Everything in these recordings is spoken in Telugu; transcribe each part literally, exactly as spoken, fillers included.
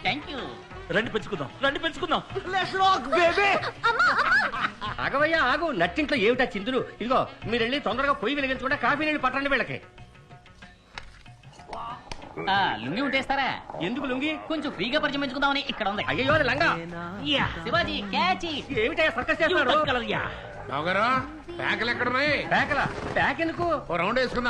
Thank you. రండి పెంచుకుందాం, రండి పెంచుకుందాం. ఆగవయ్యా ఆగు, నట్టింట్లో ఏమిటా చిందులు? ఇదిగో మీరు వెళ్ళి తొందరగా పొయ్యి వెలిగించకుండా కాఫీ నీళ్ళు పట్టండి వీళ్ళకి. ఆ, లుంగి ఉంటేస్తారా? ఎందుకు లుంగి? కొంచెం ఫ్రీగా పరిచయం పెంచుకుందామని ఇక్కడ ఉంది. అయ్యో అది లంగా. Yeah, Shivaji catch. ఏమిటా సర్కస్ చేస్తున్నారు? నవగారు ప్యాకలు ఎక్కడున్నాయి? ప్యాకల ప్యాక్ ఎందుకు? ఓ రౌండ్ వేసుకుందా?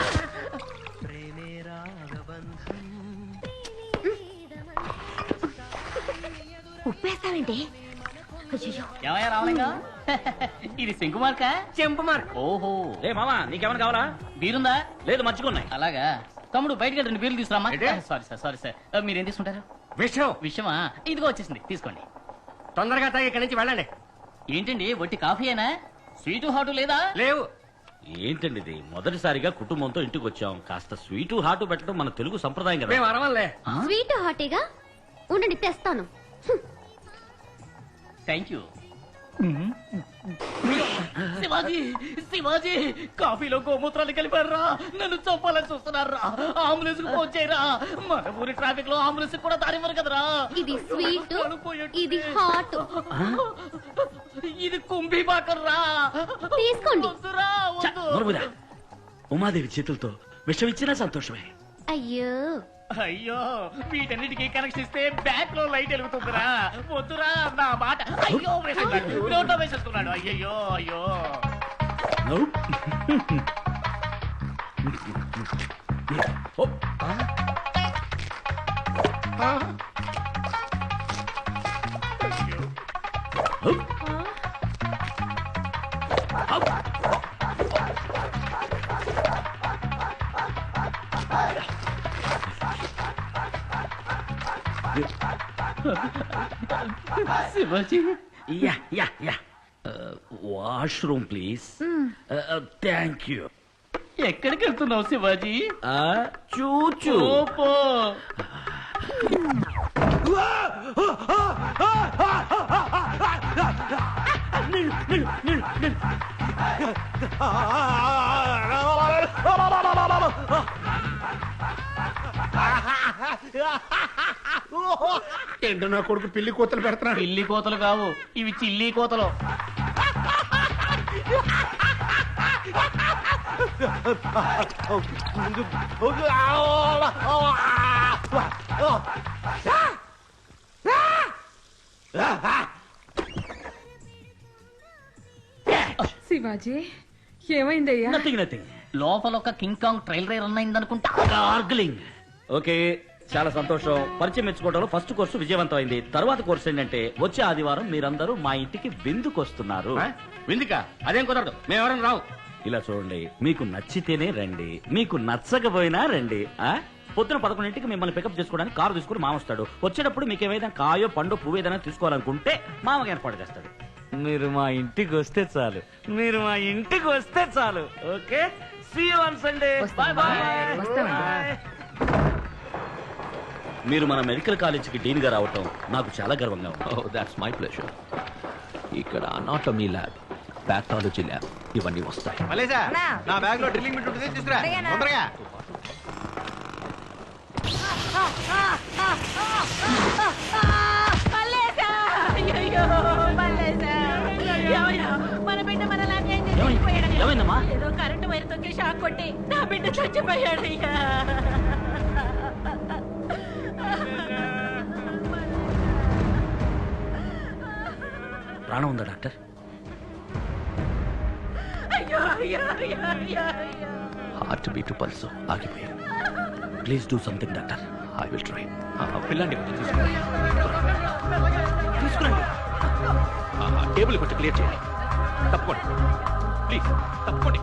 ఉప్పేస్తావేంటి? ఏమయ్యా రావలింగా? ఇది శంకు మార్క? చెంపు మార్క్. ఓహో. ఏ మామా, నీకేమైనా కావాలా? బీరుందా? లేదు, మంచిగున్నాయి. అలాగా. తమ్ముడు బయటకి రెండు బీర్లు తీసుకురామా. ఏంటి? Sorry sir, sorry sir. మీరేం తీసుకుంటారు? విషయం విషయమా? ఇదిగో వచ్చేసింది, తీసుకోండి. తొందరగా తాగి ఇక్కడి నుంచి వెళ్ళండి. ఏంటండి వట్టి కాఫీయేనా? స్వీటు హాటు లేదా? లేవు. ఏంటండి ఇది? మొదటిసారిగా కుటుంబంతో ఇంటికి వచ్చాం. కాస్త స్వీటు హాటు పెట్టడం మన తెలుగు సంప్రదాయం కదా. మేము అరవలే. స్వీట్ హాటీగా ఉండండి, తెస్తాను. Thank you. శివాజీ, శివాజీ, కాఫీలో గోమూత్రాలు కలిపారా? నన్ను చంపాలని చూస్తున్నారా? అంబులెన్స్ కు ఫోన్ చేయరా? మన ఊరి ట్రాఫిక్ లో అంబులెన్స్ కూడా దారివ్వరు కదరా. ఇది స్వీట్, ఇది హాట్. ఇది కుంభీ బాకర్రా. తీసుకోండి. వద్దురా, ఛ, వద్దు. నోరుమూయరా. ఉమాదేవి చేతులతో విషం ఇచ్చినా సంతోషమే. అయ్యో, అయ్యో, వీటన్నిటికీ కనెక్షన్ ఇస్తే బ్యాక్ లో లైట్ వెలుగుతుందిరా. వద్దురా నా మాట. అయ్యో వేసేస్తున్నాడు, నోట్లో వేసేస్తున్నాడు. అయ్యయ్యో, అయ్యో. నో. ఓ, ఓ. Shivaji, yeah yeah yeah. Washroom please. Thank you. ఎక్కడికి వెళ్తున్నావు శివాజీ? చూచూ. ఓపో. ఏంటో నా కొడుకు పిల్లి కూతలు పెడుతున్నాడు. పిల్లి కోతలు కావు, ఇవి చిల్లి కోతలు. శివాజీ, ఏమైందయ్యా? Nothing nothing. లోపల ఒక King Kong trail rail run అయిందనుకుంటా. గార్గ్లింగ్. ఓకే, చాలా సంతోషం. పరిచయం మెచ్చుకోవడంలో ఫస్ట్ కోర్సు విజయవంతం అయింది. తర్వాత కోర్సు ఏంటంటే వచ్చే ఆదివారం మీరందరూ మా ఇంటికి విందుకు వస్తున్నారు. విందుక? అదేం కుదరదు, మేము ఎవరైనా రావు. ఇలా చూడండి, మీకు నచ్చితేనే రండి, మీకు నచ్చకపోయినా రండి. ఆ పొద్దున పదకొండింటికి మిమ్మల్ని పికప్ చేసుకోవడానికి కారు తీసుకుని మామ వస్తాడు. వచ్చేటప్పుడు మీకు ఏదైనా కాయో పండు పువ్వు ఏదైనా తీసుకోవాలనుకుంటే మామకి ఏర్పాటు చేస్తాడు. మీరు మా ఇంటికి వస్తే చాలు, మీరు మా ఇంటికి వస్తే చాలు. Okay, see you on Sunday. Bye bye. మీరు మన మెడికల్ కాలేజీకి డీన్ గా రావటం నాకు చాలా గర్వంగా ఉంది. Oh, that's my pleasure. ఇక్కడ అనాటమీ ల్యాబ్, పాథాలజీ ల్యాబ్ ఇవన్నీ వస్తాయి. నా బ్యాగ్ లో డ్రిల్లింగ్ బిట్ ఉంటుంది, తీసుకురా తొందరగా. మన బిడ్డ మనలాగే ఏమైందమ్మా? ఏదో కరెంటు వైర్ తొక్కి షాక్ కొట్టి నా బిడ్డ చచ్చిపోయాడు. అయ్యా, ప్రాణం ఉందా డాక్టర్? అయ్యో, అయ్యో, అయ్యో, అయ్యో, అయ్యో. హార్ట్ బీట్ పల్స్ ఆగిపోయాయి. Please do something doctor. I will try. పిల్లండి కొంచెం తీసుకురండి. తీసుకురండి. టేబుల్ కొంచెం క్లియర్ చేయండి. తప్పకోండి ప్లీజ్, తప్పకోండి.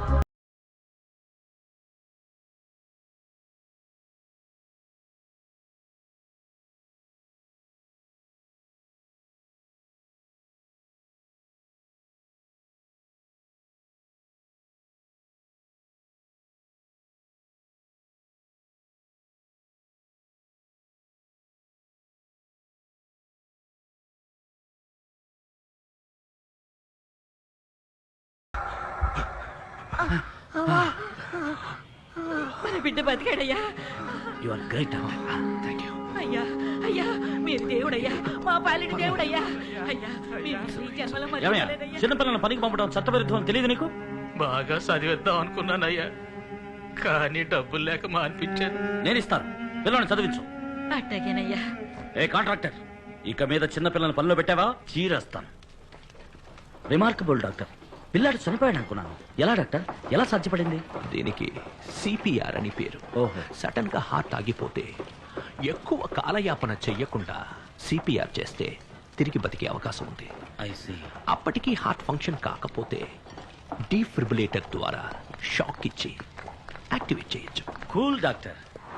మన బిడ్డ బతికాడయ్యా. You are great. Thank you. అయ్యా, అయ్యా, మీరు దేవుడయ్యా మా పాలిటి దేవుడయ్యా అయ్యా మీరు ఈ జన్మలో ఏమయ్యా మర్చిపోలేదయ్యా. చిన్నపిల్లలను పనికి పంపడం చట్టవిరుద్ధం అని తెలియదు నీకు? బాగా చదివేద్దాం అనుకున్నానయ్యా కానీ డబ్బులు లేక మానిపించాను. నేను ఇస్తాను, పిల్లల్ని చదివించు. అట్టగేనయ్యా. ఏ కాంట్రాక్టర్, ఇక మీద చిన్న పిల్లల్ని పనిలో పెట్టావా చీరేస్తాను. రిమార్కబుల్ డాక్టర్, పిల్లాడు చనిపోయాడు అనుకున్నాను. ఎలా డాక్టర్, ఎలా సాధ్యపడింది? దీనికి సిపిఆర్ అని పేరు. ఓహో. సడన్ గా హార్ట్ ఆగిపోతే ఎక్కువ కాలయాపన చెయ్యకుండా సిపిఆర్ చేస్తే తిరిగి బతికే అవకాశం ఉంది. I see. అప్పటికీ హార్ట్ ఫంక్షన్ కాకపోతే డీఫ్రిబులేటర్ ద్వారా షాక్ ఇచ్చి యాక్టివేట్ చేయొచ్చు. Cool doctor.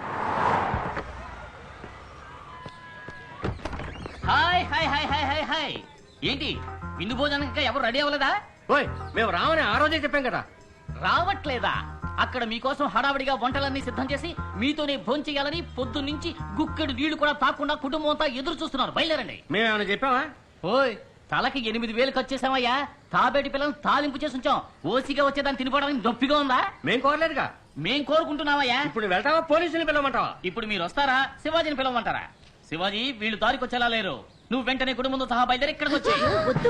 Hi hi hi hi hi hi ఏంటి విందు భోజనానికి ఎవరు రెడీ అవ్వలేదా? ఓయ్ మేము రామని ఆ రోజే చెప్పాం కదా. రావట్లేదా? అక్కడ మీకోసం హడావిడిగా వంటలన్నీ సిద్ధం చేసి మీతోనే భోంచేయాలని పొద్దు నుంచి గుక్కెడు నీళ్లు కూడా తాకుండా కుటుంబం అంతా ఎదురు చూస్తున్నారు. బయలుదేరండి. మేమేమైనా చెప్పావా? ఓయ్ తలకి ఎనిమిది వేలు ఖర్చు చేసామయ్యా. తాబేటి పిల్లలను తాలింపు చేసి ఉంచాం. ఓసిగా వచ్చేదాన్ని తినిపోవడానికి నొప్పిగా ఉందా? మేం కోరలేదుగా. మేం కోరుకుంటున్నామయ్యా. ఇప్పుడు వెళ్తావా పోలీసుని పిలవమంటావా? ఇప్పుడు మీరు వస్తారా శివాజీని పిలవమంటారా? శివాజీ వీళ్ళు దారికొచ్చేలా లేరు. నువ్వు వెంటనే కుటుంబంతో సహా బయలుదేరి ఇక్కడికి వచ్చి వద్దు.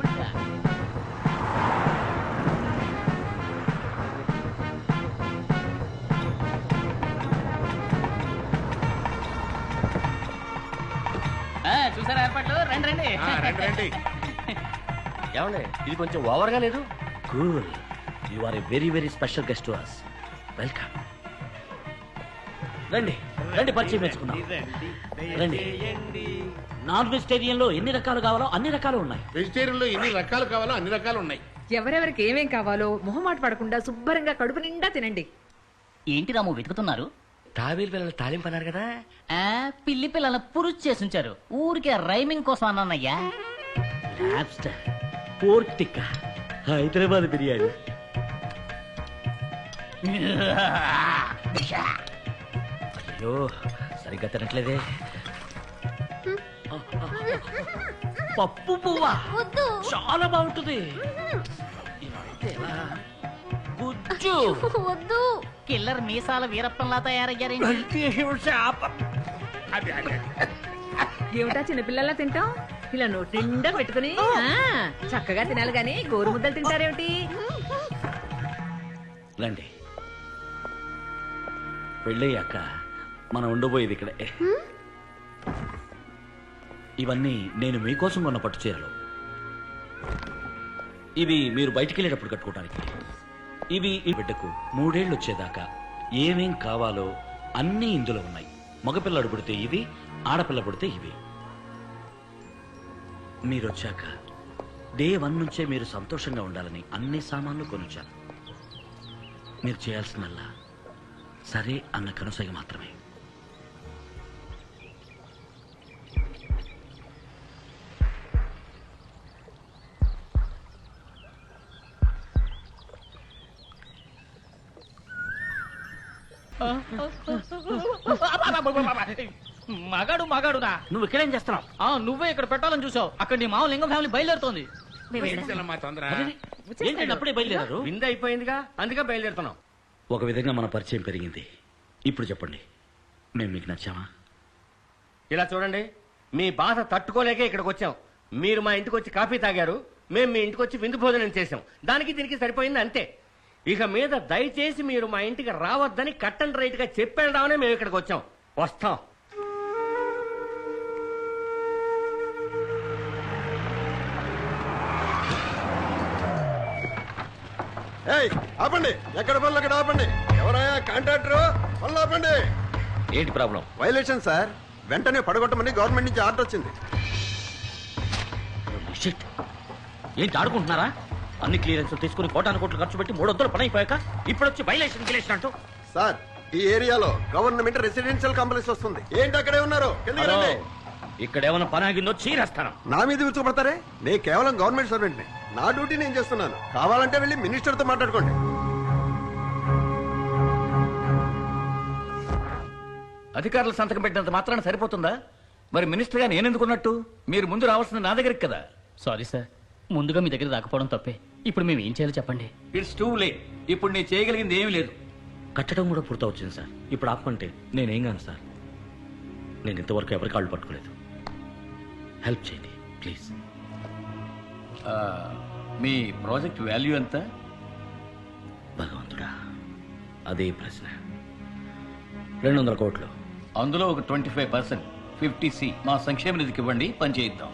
చూసారా ఏర్పాట్లు? రండి రండి. ఆ, రండి రండి. ఏమండి ఇది కొంచెం ఓవర్ గా లేదు? Cool. You are a very very special guest to us. Welcome. రండి రండి, పరిచయం మెచ్చుకుందాం. రండి. నాన్ వెజిటేరియన్ లో ఎన్ని రకాలు కావాలో అన్ని రకాలు ఉన్నాయి. వెజిటేరియన్ లో ఎన్ని రకాలు కావాలో అన్ని రకాలు ఉన్నాయి. ఎవరెవరికి ఏమేం కావాలో మొహమాట పడకుండా శుభ్రంగా కడుపు నిండా తినండి. ఏంటి రాము వెతుకుతున్నారు? తాబేలు పిల్లలు తాలింపు అన్నారు కదా. ఆ పిల్లి పిల్లల పురుచు చేసుంచారు. ఊరికే రైమింగ్ కోసం అన్నానయ్యా. Lobster, pork tikka, Hyderabad biryani. అయ్యో సరిగ్గా తినట్లేదే. పప్పు పువ్వా వద్దు. చాలా బాగుంటుంది. ఇదైతే ఎలా? గుజ్జు. వద్దు. కిల్లర్ మీసాల వీరప్పంలా తయారయ్యారేంటి? అది అది ఏమిటా చిన్నపిల్లలా తింటాం? ఇలా నోటి నిండా పెట్టుకుని ఆ, చక్కగా తినాలి గాని గోరు ముద్దలు తింటారేమిటి? రండి. పెళ్ళయ్యాక మనం ఉండబోయేది ఇక్కడే. ఇవన్నీ నేను మీకోసం కొన్న పట్టు చీరలు. ఇవి మీరు బయటికి వెళ్ళేటప్పుడు కట్టుకోవడానికి. ఇవి ఈ బిడ్డకు మూడేళ్లు వచ్చేదాకా ఏమేం కావాలో అన్నీ ఇందులో ఉన్నాయి. మగపిల్లడు పుడితే ఇవి, ఆడపిల్ల పుడితే ఇవి. మీరు వచ్చాక డే వన్ నుంచే మీరు సంతోషంగా ఉండాలని అన్ని సామాన్లు కొనుచ్చాను. మీరు చేయాల్సిందల్లా సరే అన్న కనుసైగ మాత్రమే. మగాడు మగాడునా? నువ్వు ఇక్కడేం చేస్తున్నావు? ఆ నువ్వే ఇక్కడ పెట్టాలని చూసావు. అక్కడ నీ మామ లింగం ఫ్యామిలీ బయలుదేరుతోంది. ఏంటమ్మా తొందర? ఏంటంటే అప్పుడే బయలుదేరారు? విందు అయిపోయిందిగా, అందుకే బయలుదేరుతున్నాం. ఒక విధంగా మన పరిచయం పెరిగింది. ఇప్పుడు చెప్పండి, మేము మీకు నచ్చామా? ఇలా చూడండి, మీ బాధ తట్టుకోలేకే ఇక్కడికి వచ్చాం. మీరు మా ఇంటికి వచ్చి కాఫీ తాగారు, మేము మీ ఇంటికి వచ్చి విందు భోజనం చేసాం. దానికి దీనికి సరిపోయింది అంతే. ఇక మీద దయచేసి మీరు మా ఇంటికి రావద్దని కట్ అండ్ రైట్ గా చెప్పేద్దామనే మేము ఇక్కడికి వచ్చాం. వస్తాం. ఆపండి, ఎక్కడ పనులు అక్కడ ఆపండి. ఎవరయ్యా కాంట్రాక్టర్? పనులు ఆపండి. ఏంటి ప్రాబ్లం? వైలేషన్ సార్, వెంటనే పడగొట్టమని గవర్నమెంట్ నుంచి ఆర్డర్ వచ్చింది. Shit. ఏంటి ఆడుకుంటున్నారా? అన్ని క్లియరెన్స్ తీసుకుని కోటాను కోట్లు ఖర్చు పెట్టి మూడు వందలు పని అయిపోయాక ఇప్పుడు వచ్చి వైలేషన్ గిలేషన్ అంటూ. సార్, ఈ ఏరియాలో గవర్నమెంట్ రెసిడెన్షియల్ కాంప్లెక్స్ వస్తుంది. ఏంటి అక్కడే ఉన్నారు? కిందకి రండి. ఇక్కడ ఏమైనా పని ఆగిందో చీరేస్తాను. నా మీద విరుచుకుపడతారే? నేను కేవలం గవర్నమెంట్ సర్వెంట్ ని. నా డ్యూటీ నేను చేస్తున్నాను. కావాలంటే వెళ్ళి మినిస్టర్ తో మాట్లాడుకోండి. అధికారులు సంతకం పెట్టినంత మాత్రాన సరిపోతుందా? మరి మినిస్టర్ గా నేనెందుకున్నట్టు? మీరు ముందు రావాల్సింది నా దగ్గరికి కదా. సారీ సార్, ముందుగా మీ దగ్గర రాకపోవడం తప్పే. ఇప్పుడు మేము ఏం చేయాలో చెప్పండి. It's too late. ఇప్పుడు నేను చేయగలిగింది ఏమీ లేదు. కట్టడం కూడా పూర్తవుతుంది సార్. ఇప్పుడు ఆపమంటే నేనేం కాను సార్. నేను ఇంతవరకు ఎవరి కాళ్ళు పట్టుకోలేదు. హెల్ప్ చేయండి ప్లీజ్. ఆ, మీ ప్రాజెక్ట్ వాల్యూ ఎంత? భగవంతుడా, అదే ప్రశ్న. రెండు వందల కోట్లు. అందులో ఒక ట్వంటీ ఫైవ్ పర్సెంట్ ఫిఫ్టీ సి మా సంక్షేమ నిధికి ఇవ్వండి, పని చేయిద్దాం.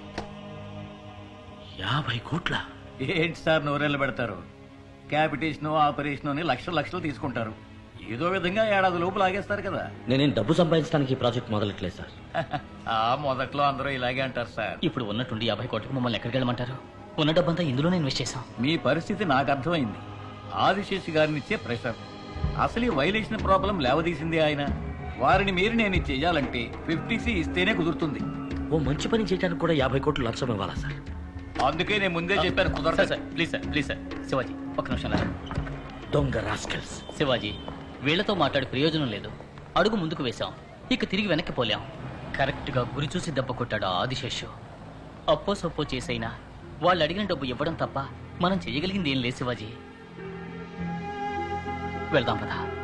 యాభై కోట్ల? ఏంటి సార్ నోరెళ్ళు పెడతారు? క్యాపిటేషన్ ఆపరేషన్ అని లక్షలు లక్షలు తీసుకుంటారు. ఏదో విధంగా ఏడాది లోపు లాగేస్తారు కదా. నేనేం డబ్బు సంపాదించడానికి ఈ ప్రాజెక్ట్ మొదలెట్లేదు సార్. ఆ మొదట్లో అందరూ ఇలాగే అంటారు సార్. ఇప్పుడు ఉన్నట్టుండి యాభై కోట్లకు మమ్మల్ని ఎక్కడికి వెళ్ళమంటారు? ఉన్న డబ్బంతా ఇందులోనే ఇన్వెస్ట్ చేశాం. మీ పరిస్థితి నాకు అర్థమైంది. ఆదిశేషి గారిని ఇచ్చే ప్రెషర్, అసలు ఈ వైలేషన్ ప్రాబ్లం లేవదీసింది ఆయన. వారిని మీరు నేను ఇది చెయ్యాలంటే ఫిఫ్టీ సి ఇస్తేనే కుదురుతుంది. ఓ మంచి పని చేయడానికి కూడా యాభై కోట్లు లంచం ఇవ్వాలా సార్? అందుకే నేను ముందే చెప్పాను కుదరదు sir. Please sir, please sir. Shivaji ఒక నిమిషం రా. దొంగ రాస్కల్స్. శివాజీ, వీళ్లతో మాట్లాడి ప్రయోజనం లేదు. అడుగు ముందుకు వేశాం, ఇక తిరిగి వెనక్కి పోలేం. కరెక్ట్ గా గురి చూసి దెబ్బ కొట్టాడు ఆ ఆదిశేషు. అప్పో సప్పో చేసైనా వాళ్ళు అడిగిన డబ్బు ఇవ్వడం తప్ప మనం చేయగలిగింది ఏం లేదు శివాజీ. వెళ్దాం పదా.